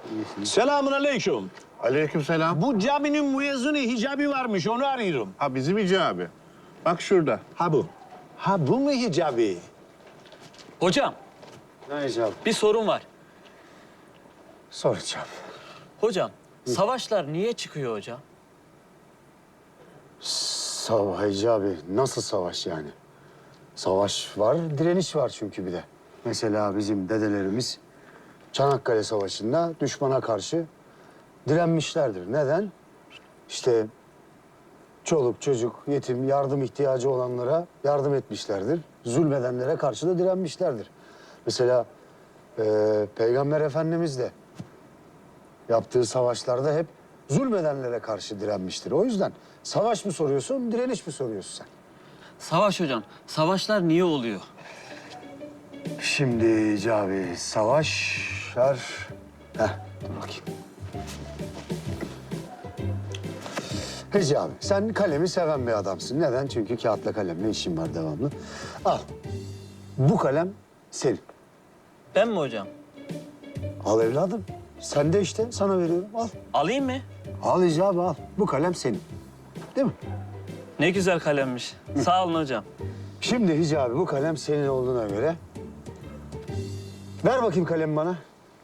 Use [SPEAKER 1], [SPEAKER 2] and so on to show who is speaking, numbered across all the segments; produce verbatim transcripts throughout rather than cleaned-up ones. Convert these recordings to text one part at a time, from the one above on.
[SPEAKER 1] Selamun aleyküm.
[SPEAKER 2] Aleykümselam.
[SPEAKER 1] Bu caminin müezzini hicabi varmış, onu arıyorum.
[SPEAKER 2] Ha bizim icabı. Bak şurada.
[SPEAKER 1] Ha bu. Ha bu mu hicabi?
[SPEAKER 3] Hocam,
[SPEAKER 4] Ne icabı?
[SPEAKER 3] bir sorun var.
[SPEAKER 4] Soracağım.
[SPEAKER 3] Hocam, savaşlar niye çıkıyor hocam?
[SPEAKER 4] Savaş abi. Nasıl savaş yani? Savaş var, direniş var çünkü bir de. Mesela bizim dedelerimiz Çanakkale Savaşı'nda düşmana karşı direnmişlerdir. Neden? İşte çoluk, çocuk, yetim, yardım ihtiyacı olanlara yardım etmişlerdir. Zulmedenlere karşı da direnmişlerdir. Mesela e, Peygamber Efendimiz de yaptığı savaşlarda hep zulmedenlere karşı direnmiştir. O yüzden savaş mı soruyorsun, direniş mi soruyorsun sen?
[SPEAKER 3] Savaş hocam, savaşlar niye oluyor?
[SPEAKER 4] Şimdi Cavi, savaşlar... Heh, dur bakayım. Hicabi, sen kalemi seven bir adamsın. Neden? Çünkü kağıtla kalemle işin var devamlı. Al, bu kalem senin.
[SPEAKER 3] Ben mi hocam?
[SPEAKER 4] Al evladım. Sen de işte, sana veriyorum. Al.
[SPEAKER 3] Alayım mı?
[SPEAKER 4] Al Hicabi, al. Bu kalem senin. Değil mi?
[SPEAKER 3] Ne güzel kalemmiş. Sağ olun hocam.
[SPEAKER 4] Şimdi Hicabi, bu kalem senin olduğuna göre... Ver bakayım kalemi bana.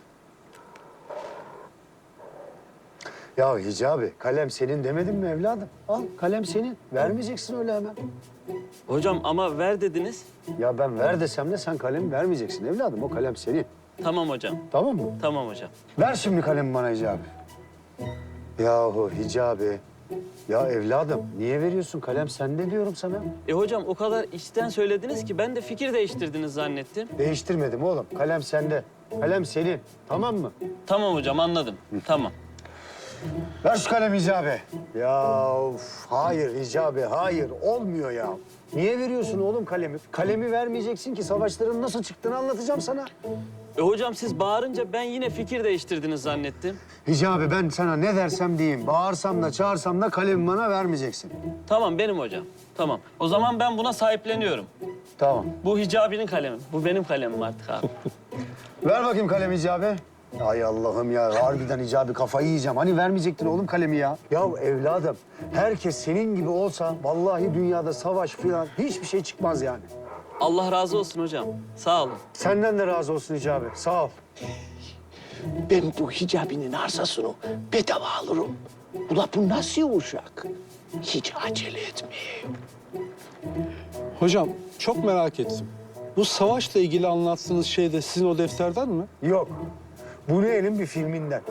[SPEAKER 4] Ya Hicabi, kalem senin demedim mi evladım? Al, kalem senin. Vermeyeceksin öyle hemen.
[SPEAKER 3] Hocam ama ver dediniz.
[SPEAKER 4] Ya ben ver desem de sen kalemi vermeyeceksin evladım. O kalem senin.
[SPEAKER 3] Tamam hocam,
[SPEAKER 4] Tamam mı?
[SPEAKER 3] tamam hocam.
[SPEAKER 4] Ver şimdi kalemi bana Hicabi. Yahu Hicabi. Ya evladım, niye veriyorsun? Kalem sende diyorum sana.
[SPEAKER 3] E hocam o kadar içten söylediniz ki ben de fikir değiştirdiniz zannettim.
[SPEAKER 4] Değiştirmedim oğlum. Kalem sende. Kalem senin. Tamam mı?
[SPEAKER 3] Tamam hocam anladım. Tamam.
[SPEAKER 4] Ver şu kalemi Hicabi. Ya of, hayır Hicabi, hayır. Olmuyor ya. Niye veriyorsun oğlum kalemi? Kalemi vermeyeceksin ki savaşların nasıl çıktığını anlatacağım sana.
[SPEAKER 3] E hocam siz bağırınca ben yine fikir değiştirdiniz zannettim.
[SPEAKER 4] Hicabi ben sana ne dersem diyeyim. Bağırsam da çağırsam da kalemi bana vermeyeceksin.
[SPEAKER 3] Tamam benim hocam. Tamam. O zaman ben buna sahipleniyorum.
[SPEAKER 4] Tamam.
[SPEAKER 3] Bu Hicabi'nin kalemi. Bu benim kalemim artık abi.
[SPEAKER 4] Ver bakayım kalemi Hicabi. Ay Allah'ım ya, harbiden Hicabi kafayı yiyeceğim. Hani vermeyecektin oğlum kalemi ya? Ya evladım, herkes senin gibi olsa vallahi dünyada savaş falan hiçbir şey çıkmaz yani.
[SPEAKER 3] Allah razı olsun hocam. Sağ olun.
[SPEAKER 4] Senden de razı olsun Hicabi, sağ ol.
[SPEAKER 1] Ben bu hicabinin arsasını bedava alırım. Ula bu nasıl uşak? Hiç acele etmeyeyim.
[SPEAKER 5] Hocam çok merak ettim. Bu savaşla ilgili anlattığınız şey de sizin o defterden mi?
[SPEAKER 4] Yok, bu Ne'nin bir filminden.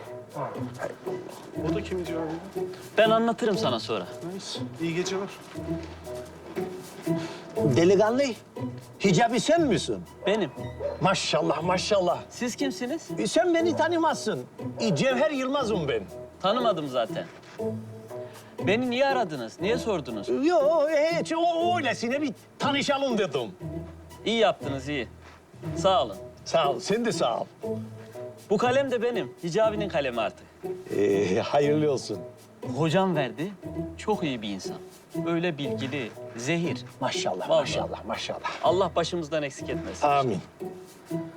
[SPEAKER 5] O da kimin cevabı?
[SPEAKER 3] Ben anlatırım sana sonra.
[SPEAKER 5] Neyse. İyi geceler.
[SPEAKER 1] Delikanlı, hicabi sen misin?
[SPEAKER 3] Benim.
[SPEAKER 1] Maşallah, maşallah.
[SPEAKER 3] Siz kimsiniz?
[SPEAKER 1] E, sen beni tanımazsın. E, Cevher Yılmaz'ım ben.
[SPEAKER 3] Tanımadım zaten. Beni niye aradınız? Niye sordunuz?
[SPEAKER 1] Yo, hiç o öylesine bir tanışalım dedim.
[SPEAKER 3] İyi yaptınız, iyi. Sağ olun.
[SPEAKER 1] Sağ ol, sen de sağ ol.
[SPEAKER 3] Bu kalem de benim. Hicabi'nin kalemi artık.
[SPEAKER 1] Ee, hayırlı olsun.
[SPEAKER 3] Hocam verdi. Çok iyi bir insan. Öyle bilgili, zehir.
[SPEAKER 1] Maşallah,
[SPEAKER 3] Vallahi.
[SPEAKER 1] maşallah, maşallah.
[SPEAKER 3] Allah başımızdan eksik etmesin.
[SPEAKER 1] Amin.